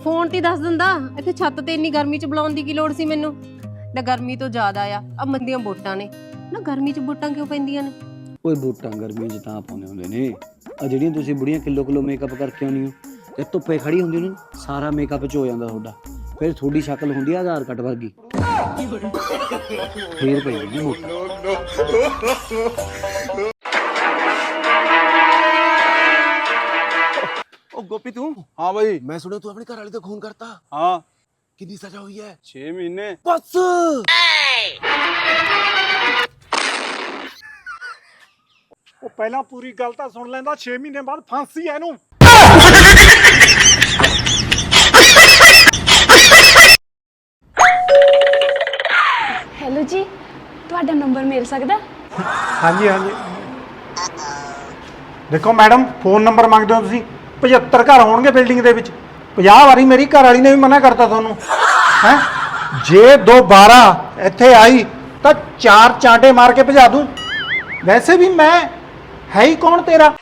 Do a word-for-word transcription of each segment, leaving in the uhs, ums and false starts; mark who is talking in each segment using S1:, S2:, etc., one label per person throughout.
S1: Phone ਤੇ ਦੱਸ ਦਿੰਦਾ। ਇੱਥੇ ਛੱਤ ਤੇ ਇੰਨੀ ਗਰਮੀ ਚ ਬੁਲਾਉਣ ਦੀ ਕੀ ਲੋੜ ਸੀ ਮੈਨੂੰ? ਨਾ ਗਰਮੀ ਤੋਂ ਜ਼ਿਆਦਾ ਆ ਆ ਮੰਦੀਆਂ ਵੋਟਾਂ ਨੇ ਨਾ। ਗਰਮੀ ਚ ਵੋਟਾਂ ਕਿਉਂ ਪੈਂਦੀਆਂ ਨੇ?
S2: ਓਏ ਵੋਟਾਂ ਗਰਮੀ 'ਚ ਤਾਂ ਪਾਉਂਦੇ ਹੁੰਦੇ ਨੇ। ਆ ਜਿਹੜੀਆਂ ਤੁਸੀਂ ਬੁੜੀਆਂ ਕਿਲੋ ਕਿਲੋ ਮੇਕਅਪ ਕਰਕੇ ਆਉਂਦੀ ਹੋ ਤੇ ਧੁੱਪੇ ਖੜੀ ਹੁੰਦੀ ਨੇ, ਸਾਰਾ ਮੇਕਅਪ 'ਚ ਹੋ ਜਾਂਦਾ ਤੁਹਾਡਾ। ਫਿਰ ਤੁਹਾਡੀ ਸ਼ਕਲ ਹੁੰਦੀ ਆ ਆਧਾਰ ਕਾਰਡ ਵਰਗੀ। ਫੇਰ ਪਈ ਜਾਂਦੀ ਵੋਟਾਂ।
S3: ओ गोपी तू
S4: हाँ भाई।
S3: मैं सुना तू अपनी घरवाली तो खून करता।
S4: हाँ
S3: कितनी सजा हुई है?
S4: छह महीने
S3: बस
S4: ਉਹ ਪਹਿਲਾਂ ਪੂਰੀ ਗੱਲ ਤਾਂ ਸੁਣ ਲੈਂਦਾ। ਛੇ ਮਹੀਨੇ ਬਾਅਦ ਫਾਂਸੀ ਐ ਇਹਨੂੰ।
S5: ਹੈਲੋ ਜੀ, ਤੁਹਾਡਾ ਨੰਬਰ ਮਿਲ ਸਕਦਾ?
S4: ਹਾਂਜੀ ਹਾਂਜੀ ਦੇਖੋ ਮੈਡਮ, ਫੋਨ ਨੰਬਰ ਮੰਗਦੇ ਹੋ ਤੁਸੀਂ। ਪਝੱਤਰ ਘਰ ਹੋਣਗੇ ਬਿਲਡਿੰਗ ਦੇ ਵਿੱਚ। ਪੰਜਾਹ ਵਾਰੀ ਮੇਰੀ ਘਰ ਵਾਲੀ ਨੇ ਵੀ ਮਨਾ ਕਰਤਾ ਤੁਹਾਨੂੰ ਹੈ। ਜੇ ਦੁਬਾਰਾ ਇੱਥੇ ਆਈ ਤਾਂ ਚਾਰ ਚਾਂਟੇ ਮਾਰ ਕੇ ਭਜਾ ਦੂੰ। ਵੈਸੇ ਵੀ ਮੈਂ ਹੈ ਹੀ ਕੌਣ ਤੇਰਾ?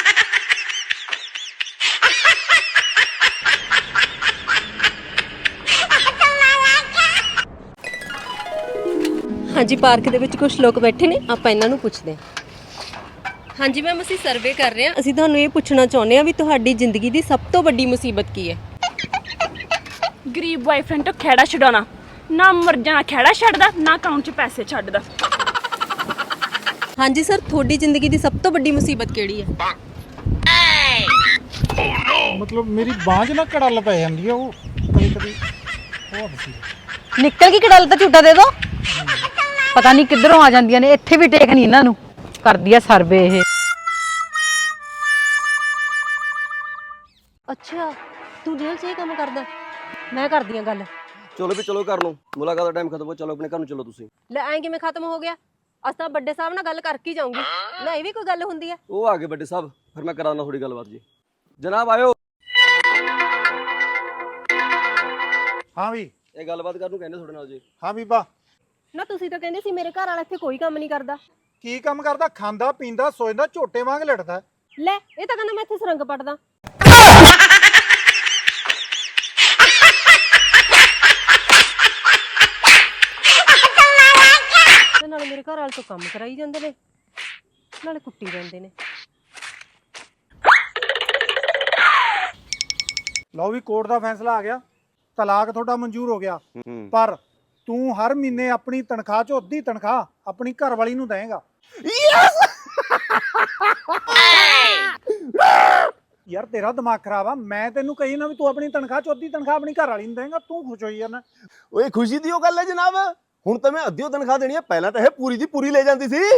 S1: ਹਾਂਜੀ, ਪਾਰਕ ਦੇ ਵਿੱਚ ਕੁਝ ਲੋਕ ਬੈਠੇ ਨੇ, ਆਪਾਂ ਇਹਨਾਂ ਨੂੰ ਪੁੱਛਦੇ ਹਾਂ। ਹਾਂਜੀ ਮੈਮ, ਅਸੀਂ ਸਰਵੇ ਕਰ ਰਹੇ ਹਾਂ। ਅਸੀਂ ਤੁਹਾਨੂੰ ਇਹ ਪੁੱਛਣਾ ਚਾਹੁੰਦੇ ਹਾਂ ਵੀ ਤੁਹਾਡੀ ਜ਼ਿੰਦਗੀ ਦੀ ਸਭ ਤੋਂ ਵੱਡੀ ਮੁਸੀਬਤ ਕੀ ਹੈ?
S5: ਗਰੀਬ ਬॉयਫ੍ਰੈਂਡ ਤੋਂ ਖਹਿੜਾ ਛਡਾਉਣਾ। ਨਾ ਮਰ ਜਾਣਾ ਖਹਿੜਾ ਛੱਡਦਾ, ਨਾ ਅਕਾਊਂਟ 'ਚ ਪੈਸੇ ਛੱਡਦਾ।
S1: ਹਾਂਜੀ ਸਰ, ਤੁਹਾਡੀ ਜ਼ਿੰਦਗੀ ਦੀ ਸਭ ਤੋਂ ਵੱਡੀ ਮੁਸੀਬਤ ਕਿਹੜੀ ਹੈ?
S4: ਮਤਲਬ ਮੇਰੀ ਬਾਂਹ 'ਚ ਨਾ ਕੜਲ ਪੈ ਜਾਂਦੀ ਆ, ਉਹ ਕਦੇ ਕਦੇ ਉਹ ਸੀ।
S6: ਨਿਕਲ ਗਈ ਕੜਲ ਤਾਂ ਝੂਟਾ ਦੇ ਦੋ। ਪਤਾ ਨਹੀਂ ਕਿੱਧਰੋਂ ਆ ਜਾਂਦੀਆਂ ਨੇ। ਇੱਥੇ ਵੀ ਟੇਕ ਨਹੀਂ ਇਹਨਾਂ ਨੂੰ। ਕਰਦੀ ਆ ਸਰਵੇ ਇਹ।
S1: ਅੱਛਾ, ਤੂੰ ਜੇਲ੍ਹ 'ਚ ਇਹ ਕੰਮ ਕਰਦਾ? ਮੈਂ ਕਰਦੀ ਹਾਂ ਗੱਲ।
S2: ਚਲੋ ਵੀ ਚਲੋ ਕਰ ਲਓ, ਮੁਲਾਕਾਤ ਦਾ ਟਾਈਮ ਖਤਮ ਹੋ। ਚਲੋ ਆਪਣੇ ਘਰ ਨੂੰ ਚਲੋ ਤੁਸੀਂ।
S1: ਲੈ ਐਂ ਕਿਵੇਂ ਖਤਮ ਹੋ ਗਿਆ? ਅੱਜ ਤਾਂ ਵੱਡੇ ਸਾਹਿਬ ਨਾਲ ਗੱਲ ਕਰਕੇ ਹੀ ਜਾਊਂਗੀ। ਲੈ ਇਹ ਵੀ ਕੋਈ ਗੱਲ ਹੁੰਦੀ ਹੈ?
S2: ਉਹ ਆ ਗਏ ਵੱਡੇ ਸਾਹਿਬ, ਫਿਰ ਮੈਂ ਕਰਾਉਣਾ ਥੋੜੀ ਗੱਲਬਾਤ ਜੀ। ਜਨਾਬ ਆਇਓ।
S4: ਹਾਂ ਵੀ
S2: ਇਹ ਗੱਲਬਾਤ ਕਰਨ ਨੂੰ ਕਹਿੰਦੇ ਤੁਹਾਡੇ ਨਾਲ ਜੀ।
S4: ਹਾਂ ਬੀਬਾ।
S1: ਨਾ ਤੁਸੀਂ ਤਾਂ ਕਹਿੰਦੇ ਸੀ ਮੇਰੇ ਘਰ ਵਾਲਾ ਇੱਥੇ ਕੋਈ ਕੰਮ ਨਹੀਂ ਕਰਦਾ।
S4: ਕੀ ਕੰਮ ਕਰਦਾ? ਖਾਂਦਾ ਪੀਂਦਾ ਸੋਚਦਾ, ਝੋਟੇ ਵਾਂਗ ਲੜਦਾ।
S1: ਲੈ ਇਹ ਤਾਂ ਕਹਿੰਦਾ ਮੈਂ ਇੱਥੇ ਸੁਰੰਗ ਪੱਟਦਾ। ਤੇ ਨਾਲੇ ਮੇਰੇ ਘਰ ਵਾਲੇ ਤੋਂ ਕੰਮ ਕਰਾਈ ਜਾਂਦੇ ਨੇ, ਨਾਲੇ ਕੁੱਟੀ ਜਾਂਦੇ ਨੇ।
S4: ਲਓ ਵੀ ਕੋਰਟ ਦਾ ਫੈਸਲਾ ਆ ਗਿਆ। ਤਲਾਕ ਤੁਹਾਡਾ ਮਨਜ਼ੂਰ ਹੋ ਗਿਆ। ਪਰ ਤੂੰ ਹਰ ਮਹੀਨੇ ਆਪਣੀ ਤਨਖਾਹ ਚੋਂ ਅੱਧੀ ਤਨਖਾਹ ਆਪਣੀ ਘਰ ਵਾਲੀ ਨੂੰ ਦੇਵੇਂਗਾ। ਯਾਰ ਤੇਰਾ ਦਿਮਾਗ ਖਰਾਬ ਆ। ਮੈਂ ਤੈਨੂੰ ਕਹੀ ਨਾ ਵੀ ਤੂੰ ਆਪਣੀ ਤਨਖਾਹ ਚੋਂ ਅੱਧੀ ਤਨਖਾਹ ਆਪਣੀ ਘਰ ਵਾਲੀ ਨੂੰ ਦੇਵੇਂਗਾ। ਤੂੰ ਖੁਸ਼ ਹੋਈ ਜਾਂਦਾ।
S3: ਓਏ ਖੁਸ਼ੀ ਦੀ ਉਹ ਗੱਲ ਹੈ ਜਨਾਬ। ਹੁਣ ਤਾਂ ਮੈਂ ਅੱਧੀ ਤਨਖਾਹ ਦੇਣੀ ਹੈ। ਪਹਿਲਾਂ ਤਾਂ ਇਹ ਪੂਰੀ ਦੀ ਪੂਰੀ ਲੈ ਜਾਂਦੀ ਸੀ।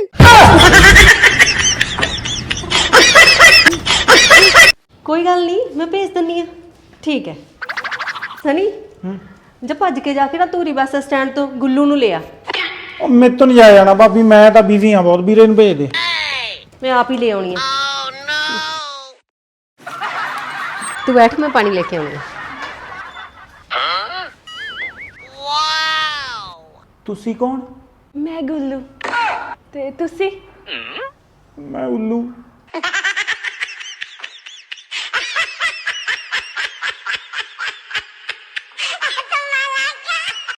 S1: ਕੋਈ ਗੱਲ ਨਹੀਂ, ਮੈਂ ਭੇਜ ਦਿੰਨੀ ਆ। ਠੀਕ ਹੈ ਸਨੀ, ਜਾ ਭੱਜ ਕੇ ਜਾ ਕੇ ਨਾ ਧੂਰੀ ਬੱਸ ਸਟੈਂਡ ਤੋਂ ਗੁੱਲੂ ਨੂੰ ਲਿਆ।
S4: ਉਹ ਮੇਰੇ ਤੋਂ ਨਹੀਂ ਜਾਇਆ ਜਾਣਾ ਭਾਬੀ, ਮੈਂ ਤਾਂ ਬਿਜ਼ੀ ਆ ਬਹੁਤ। ਵੀਰੇ ਨੂੰ ਭੇਜ ਦੇ।
S1: ਮੈਂ ਆਪ ਹੀ ਲੈ ਆਉਣੀ ਆ। ਤੂੰ ਬੈਠ, ਮੈਂ ਪਾਣੀ ਲੈ ਕੇ ਆਉਣੀ ਆ।
S4: ਤੁਸੀਂ ਕੌਣ?
S5: ਮੈਂ ਗੁੱਲੂ ਤੇ ਤੁਸੀਂ?
S4: ਮੈਂ ਉੱਲੂ।